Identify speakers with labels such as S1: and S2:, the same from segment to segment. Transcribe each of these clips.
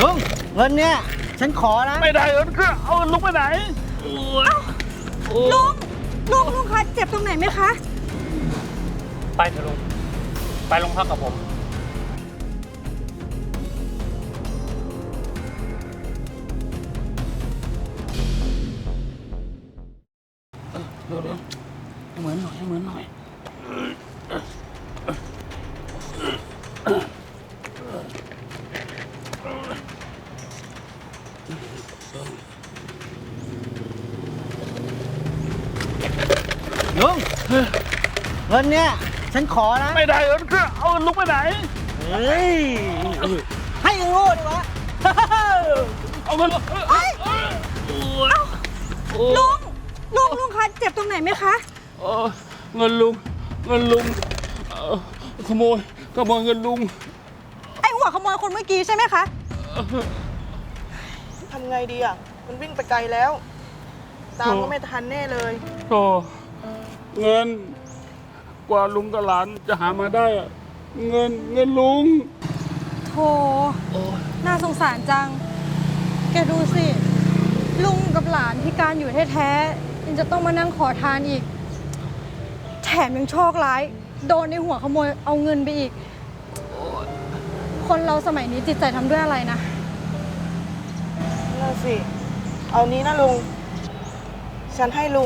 S1: ลุงเงินเนี่ยฉันขอนะ
S2: ไม่ได้เงินก็เอาลุงไปไหน
S3: ลุงคะเจ็บตรงไหนไหมคะ
S2: ไปเถอะลุงไปโรงพักกับผมเดี๋ยวเหมือนหน่อย
S1: ลุงเงินเนี่ยฉันขอนะ
S2: ไม่ได้เงินก็เอาลุงไปไหน
S1: เฮ้ยให้โง่ดีวะ
S2: เอาเงิน
S3: ลุงคะเจ็บตรงไหนไหมคะ
S2: เงินลุงขโมยเงินลุง
S3: ไอ้หัวขโมยคนเมื่อกี้ใช่ไหมคะ
S4: ทำไงดีอ่ะมันวิ่งไปไกลแล้วตามก็ไม่ทันแน่เลย
S2: โธ่เงินกว่าลุงกับหลานจะหามาได้อะเงินลุง
S3: โธ่น่าสงสารจังแกดูสิลุงกับหลานพิการอยู่แท้ๆยังจะต้องมานั่งขอทานอีกแถมยังโชคร้ายโดนในหัวขโมยเอาเงินไปอีกคนเราสมัยนี้จิตใจทำด้วยอะไรนะ
S4: นั่นสิเอานี้นะลุงฉันให้ลุง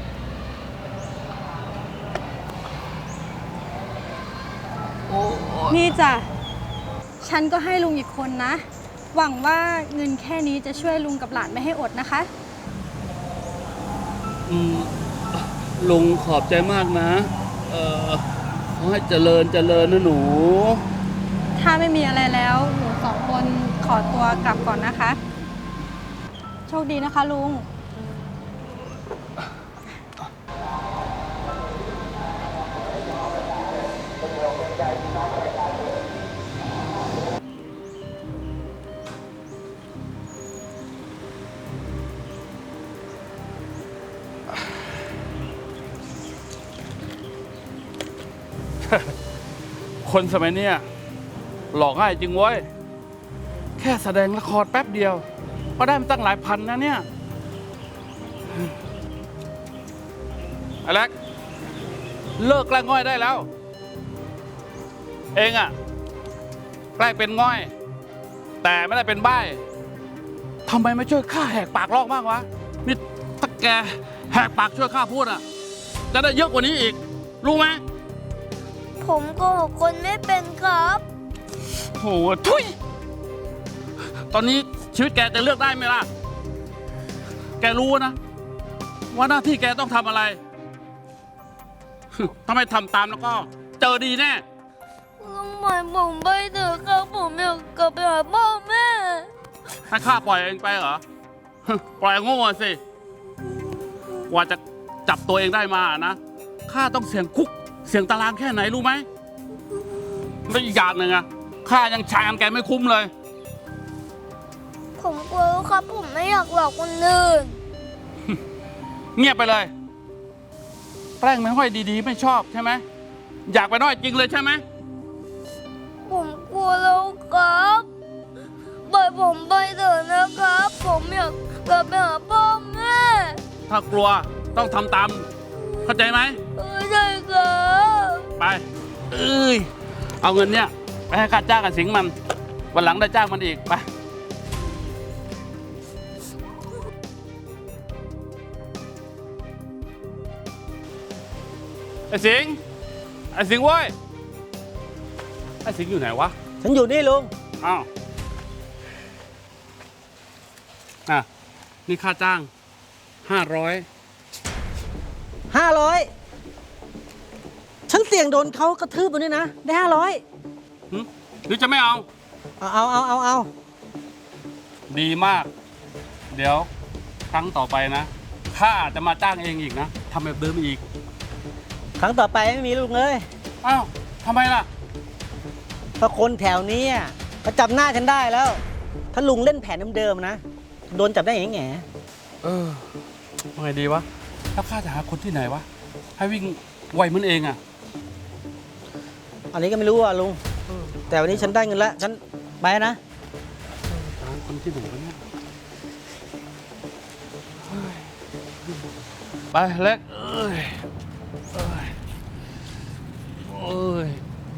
S3: นี่จ้ะฉันก็ให้ลุงอีกคนนะหวังว่าเงินแค่นี้จะช่วยลุงกับหลานไม่ให้อดนะคะ
S2: ลุงขอบใจมากนะขอให้เจริญนะหนู
S3: ถ้าไม่มีอะไรแล้วหนูสองคนขอตัวกลับก่อนนะคะโชคดีนะคะลุง
S2: คนสมัยนี้หลอกง่ายจริงเว้ยแค่แสดงละครแป๊บเดียวก็ได้มาตั้งหลายพันนะเนี่ยอเล็กเลิกแกล้งง่อยได้แล้วเองอะแกล้งเป็นง่อยแต่ไม่ได้เป็นใบ้ทำไมไม่ช่วยข้าแหกปากลอกบ้างวะนี่ถ้าแกแหกปากช่วยข้าพูดอะจะได้เยอะกว่านี้อีกรู้ไหม
S5: ผมโกหกคนไม่เป็นครับ
S2: โหทุยตอนนี้ชีวิตแกจะเลือกได้ไหมล่ะแกรู้นะว่าหน้าที่แกต้องทำอะไรถ้าไม่ทำตามแล้วก็เจอดีแน่
S5: ลุงหมายผมไปเถอะครับผมอยากกลับไปหาพ่อแม่
S2: ให้ข้าปล่อยเองไปเหรอปล่อยโง่สิกว่าจะจับตัวเองได้มานะข้าต้องเสี่ยงคุกเสี่ยงตารางแค่ไหนรู้ไหมแล้วอีกอย่างหนึ่งอะข้ายังใช้แกไม่คุ้มเลย
S5: ผมกลัวครับผมไม่อยากหลอกคนอื่น
S2: เงียบไปเลยแกล้งไม่ค่อยดีๆไม่ชอบใช่ไหมอยากไปน้อยจริงเลยใช่ไหม
S5: ผมกลัวแล้วครับปล่อยผมไปเถอะนะครับผมอยากกลับไปหาพ่อแม่
S2: ถ้ากลัวต้องทำตามเข้าใจไหม
S5: ใช่ครับ
S2: ไปเอาเงินเนี่ยไปให้ข้าจ้างกับสิงมันวันหลังได้จ้างมันอีกไปไอ้สิงเว้ยไอ้สิงอยู่ไหนวะ
S1: ฉันอยู่นี่ลุง
S2: อ้าวนี่ค่าจ้าง500
S1: ฉันเสี่ยงโดนเขากระทืบตัวนี้นะได้
S2: หรือจะไม่เอาดีมากเดี๋ยวครั้งต่อไปนะข้าจะมาจ้างเองอีกนะทำแบบเดิมอีก
S1: ครั้งต่อไปไม่มีลุงเลย
S2: อ้าวทำไมล่ะ
S1: เพราะคนแถวนี้เขาจับหน้าฉันได้แล้วถ้าลุงเล่นแผนเดิมๆนะโดนจับได้แง่
S2: ว่าไงดีวะแล้วข้าจะหาคนที่ไหนวะให้วิ่งไวเหมือนเองอ่ะ
S1: อันนี้ก็ไม่รู้อ่ะลุงแต่วันนี้ฉันได้เงินแล้วฉันไปนะ
S2: มันที่ไหนวะเนี่ยเฮ้ยไปเล็กเอ้ยเอ้ยโอ้ย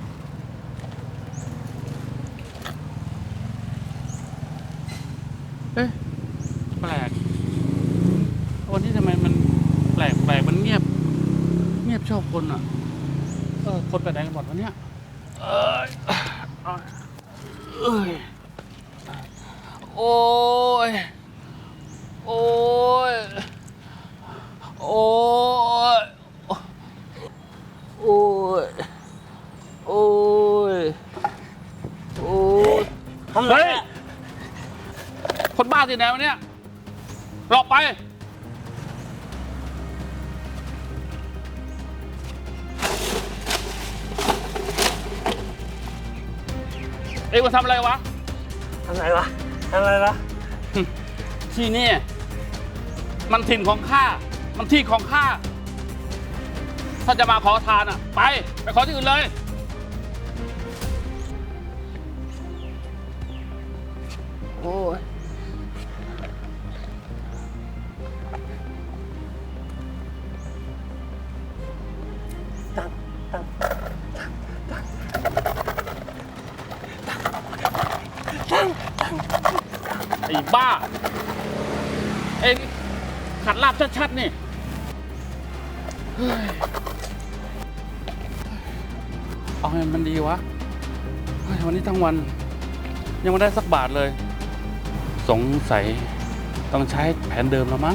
S2: เอ๊ะแปลกวันนี้ทำไมมันแปลกมันเงียบชอบคนอ่ะคนไปไหนกันหมดวะเนี่ยเอ้ยเอ้ยโอ้ยโอ้ยโอ้ยโอ้ยโอ้ยโอ้ยเฮ้ยคนบ้าที่ไหนวะเนี่ยหลบไปเอ็งมาทำอะไรวะ
S6: ทำอะไรวะ
S2: ที่นี่มันถิ่นของข้า มันที่ของข้า ถ้าจะมาขอทานอ่ะ ไปขอที่อื่นเลย โอ้ยไอ้บ้า เอ็งขัดลาบชัดๆนี่เฮ้ยเอาให้มันดีวะเฮ้ยวันนี้ทั้งวัน ยังไม่ได้สักบาทเลย สงสัยต้องใช้แผนเดิมแล้วมั้ง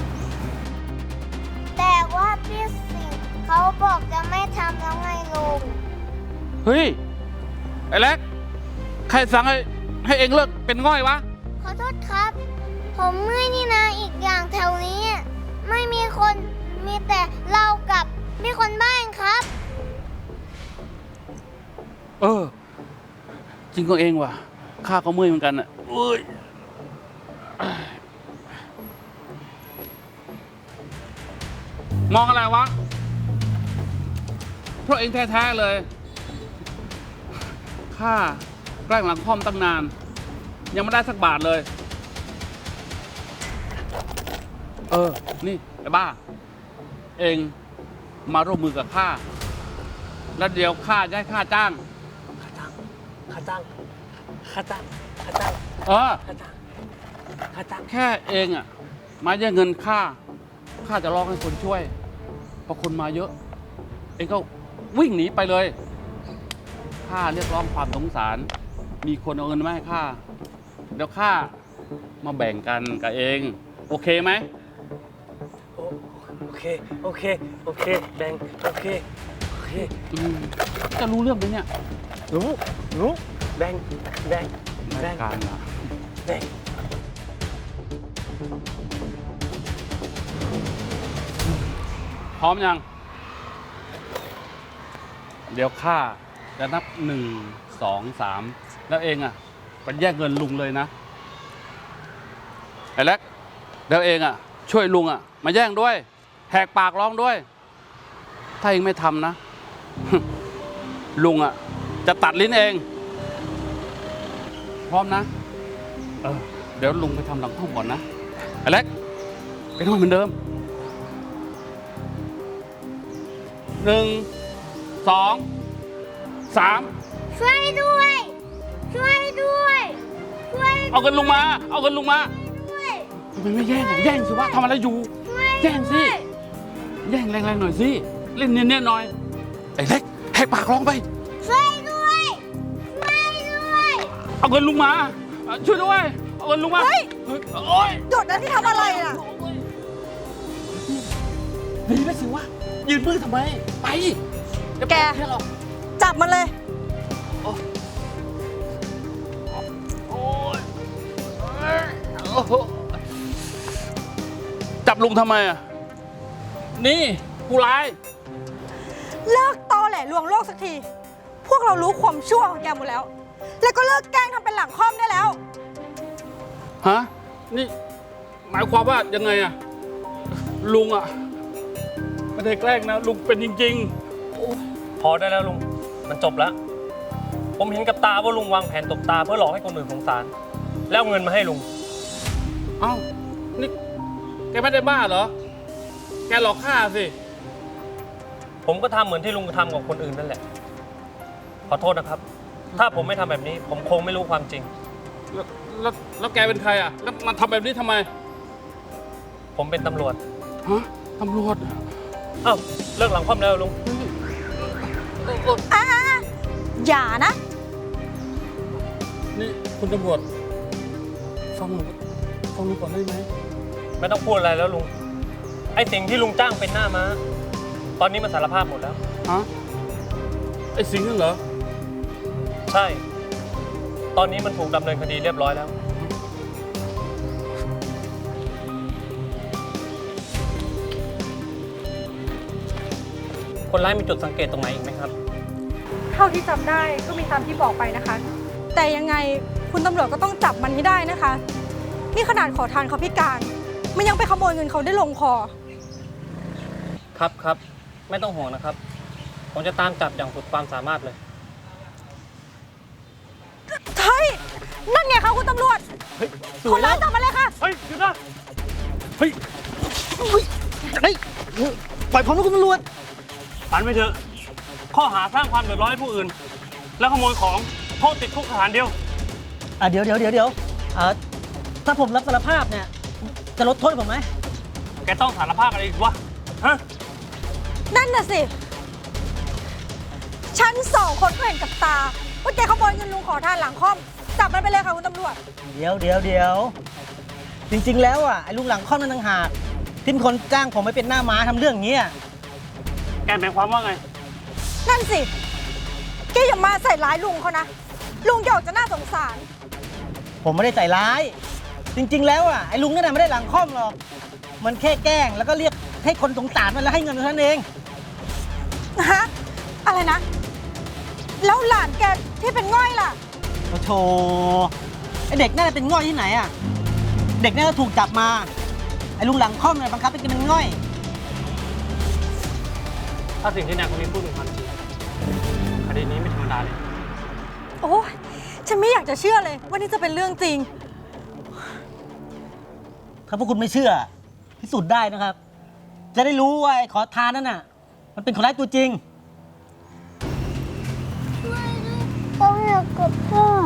S5: แต่ว่าพี่สิงห์เขาบอกจะไม่ทำแล้วไงลุง
S2: เฮ้ย ไอ้เล็ก ใครสั่งให้เอ็งเลิกเป็นง่อยวะ
S5: ขอโทษครับ ผมเมื่อยนี่นะอีกอย่างแถวนี้ ไม่มีคนมีแต่เรากับมีคนบ้านครับ
S2: จริงก็เองว่ะข้าก็เมื่อยเหมือนกันอ่ะอุ้ยมองอะไรวะเพราะเองแท้ๆเลยข้าแกล้งหลังค่อมตั้งนาน ยังไม่ได้สักบาทเลยนี่ไอ้บ้า เองมาร่วมมือกับข้าแล้วเดี๋ยวข้าจะให้ข้าจ้าง แค่เองอ่ะมาแย่งเงินข้าจะร้องให้คนช่วยพอคนมาเยอะ เองก็วิ่งหนีไปเลยข้าเรียกร้องความสงสาร มีคนเอาเงินมาให้ข้าเดี๋ยวข้ามาแบ่งกันกับเองโอเคไหม
S6: โอเคแบงโอเค
S2: จะรู้เรื่องไหมเนี่ย
S6: รู้แบง
S2: รายการเหรอ
S6: แบง
S2: พร้อมยัง เดี๋ยวข้าจะนับ1 2 3แล้วเองอ่ะไปแยกเงินลุงเลยนะไอ้เล็กแล้วเองอ่ะช่วยลุงอ่ะมาแย่งด้วยแหกปากร้องด้วย ถ้าเองไม่ทำนะ ลุงอ่ะจะตัดลิ้นเองพร้อมนะเดี๋ยวลุงไปทำหลังห้องก่อนนะไอ้เล็กไปนอนเหมือนเดิม1 2 3
S5: ช่วยด้วย ช่วยด้วย ช่วย
S2: เอาเงินลุงมา
S5: ด้วย
S2: ทำไมไม่แย่งอ่ะแย่งสิวะทำอะไรอยู่
S5: ช่วย
S2: แย่งสิ
S5: ด้วย
S2: แย่งแรงๆหน่อยสิเล่นเนียนๆหน่อยไอ้เล็กแหกปากร้องไป
S5: ช่วยด้วย ช่วยด้วย
S2: เอาเงินลุงมาช่วยด้วยเอาเงินลุงมา
S3: เฮ้ย
S2: โอ๊ย
S3: หยุดนะที่ทำอะไรอ่ะ
S2: หนีไปสิวะยืนมือทำไมไปเดี๋ยว
S3: แก
S2: เพื่อนหรอก
S3: จับมันเลย
S2: โอ๊ยโอ้โหจับลุงทำไมอ่ะนี่ผู้ร้าย
S3: เลิกตอแหลลวงโลกสักที พวกเรารู้ความชั่วของแกหมดแล้ว แล้วก็เลิกแกล้งทำเป็นหลังค่อมได้แล้ว
S2: ฮะนี่หมายความว่ายังไงอ่ะลุงอ่ะไม่ได้แกล้งนะลุงเป็นจริง
S6: พอได้แล้วลุงมันจบแล้ว ผมเห็นกับตาว่าลุงวางแผนตบตาเพื่อหลอกให้คนอื่นสงสารแล้วเอาเงินมาให้ลุง
S2: เอ้า นี่แกไม่ได้บ้าเหรอ แกหลอกข้าสิ
S6: ผมก็ทำเหมือนที่ลุงทำกับคนอื่นนั่นแหละ ขอโทษนะครับ ถ้าผมไม่ทำแบบนี้ ผมคงไม่รู้ความจริง
S2: แล้วแกเป็นใครอ่ะ แล้วมาทำแบบนี้ทำไม
S6: ผมเป็นตำรวจ
S2: ฮะ ตำรวจ
S6: เอ้าเลิกหลังคว่ำแล้วลุง
S3: อย่านะ
S2: นี่คุณตำรวจ ฟังหนูก่อนได้ไหม
S6: ไม่ต้องพูดอะไรแล้วลุง ไอ้สิ่งที่ลุงจ้างเป็นหน้าม้า ตอนนี้มันสารภาพหมดแล้ว
S2: ฮะ ไอ้สิงห์นั่นเหรอ
S6: ใช่ ตอนนี้มันถูกดำเนินคดีเรียบร้อยแล้ว คนร้ายมีจุดสังเกตตรงไหนอีกไหมครับ
S3: เท่าที่จำได้ก็มีตามที่บอกไปนะคะ แต่ยังไงคุณตำรวจก็ต้องจับมันให้ได้นะคะ นี่ขนาดขอทานเขาพิการ มันยังไปขโมยเงินเขาได้ลงคอ
S6: ครับ ไม่ต้องห่วงนะครับ ผมจะตามจับอย่างสุดความสามารถเลย
S3: เฮ้ย นั่นไงคะคุณตำรวจ คนร้ายจับมาเลยค่ะ
S6: เฮ้ยหยุดนะ
S1: เฮ้ยปล่อยผมนะคุณตำรวจ
S6: ปันไปเถอะ ข้อหาสร้างความเดือดร้อนให้ผู้อื่น และขโมยของโทษติดคุกสถานเดียว
S1: เดี๋ยวถ้าผมรับสารภาพเนี่ย จะลดโทษผมไหม
S6: แกต้องสารภาพอะไรอีกวะ ฮะ
S3: นั่นน่ะสิ ฉันสองคนก็เห็นกับตา ว่าแกขโมยเงินลุงขอทานหลังค่อม จับมันไปเลยค่ะคุณตำรวจ
S1: เดี๋ยวจริงๆแล้วอ่ะไอ้ลุงหลังค่อมนั่นต่างหากที่เป็นคนจ้างผมไปเป็นหน้าม้าทำเรื่องอย่างนี้ย
S6: แกหมายความว่าไง
S3: นั่นสิ แกอย่ามาใส่ร้ายลุงเขานะ ลุงแกออกจะน่าสงสาร
S1: ผมไม่ได้ใส่ร้าย จริงๆแล้วอ่ะไอ้ลุงนั่นนะไม่ได้หลังค่อมหรอก มันแค่แกล้งแล้วก็เรียกให้คนสงสารมันแล้วให้เงินมันเท่านั้นเอง
S3: ฮะ อะไรนะ แล้วหลานแกที่เป็นง่อยล่ะ
S1: โอ้โธ่ไอ้เด็กนั่นนะเป็นง่อยที่ไหนอ่ะ เด็กนั่นก็ถูกจับมา ไอ้ลุงหลังค่อมเนี่ยบังคับให้กินเป็นง่อย
S6: ถ้าสิ่งที่นายคนนี้พูดเป็นความจริง คดีนี้ไม่ธรรมดาเลย
S3: โอ้ยฉันไม่อยากจะเชื่อเลยว่านี่จะเป็นเรื่องจริง
S1: ถ้าพวกคุณไม่เชื่อพิสูจน์ได้นะครับ จะได้รู้ว่าไอ้ขอทานนั่นน่ะ มันเป็นคนร้ายตัวจริง
S5: เขาอยากกลับบ้าน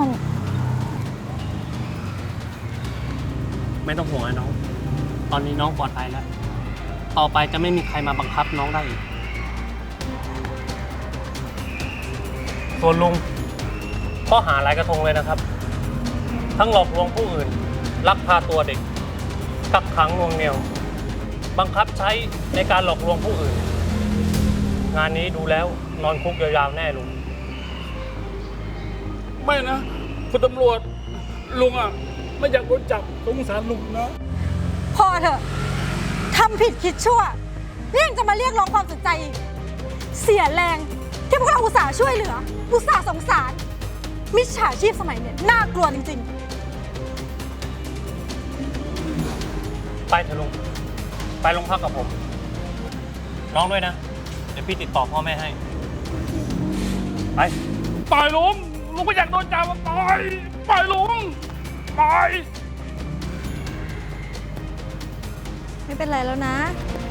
S6: ไม่ต้องห่วงนะน้อง ตอนนี้น้องปลอดภัยแล้ว ต่อไปจะไม่มีใครมาบังคับน้องได้อีก ส่วนลุงข้อหาหลายกระทงเลยนะครับ ทั้งหลอกลวงผู้อื่น ลักพาตัวเด็ก กักขังหน่วงเหนี่ยว บังคับใช้ในการหลอกลวงผู้อื่น งานนี้ดูแล้วนอนคุกยาวๆแน่ลุง
S2: ไม่นะ คุณตำรวจ ลุงอ่ะ ไม่อยากโดนจับสงสารลุงนะ
S3: พอเถอะทำผิดคิดชั่วนี่ยังจะมาเรียกร้องความสนใจอีก เสียแรงที่พวกเราอุตส่าห์ช่วยเหลือ อุตส่าห์สงสาร มิจฉาชีพสมัยเนี่ยน่ากลัวจริงๆ
S6: ไปเถอะลุง ไปโรงพักกับผม น้องด้วยนะ เดี๋ยวพี่ติดต่อพ่อแม่ให้ ไป
S2: ปล่อยลุง ลุงไม่อยากโดนจับอะปล่อย ปล่อยลุง ปล่อย
S3: ไม่เป็นไรแล้วนะ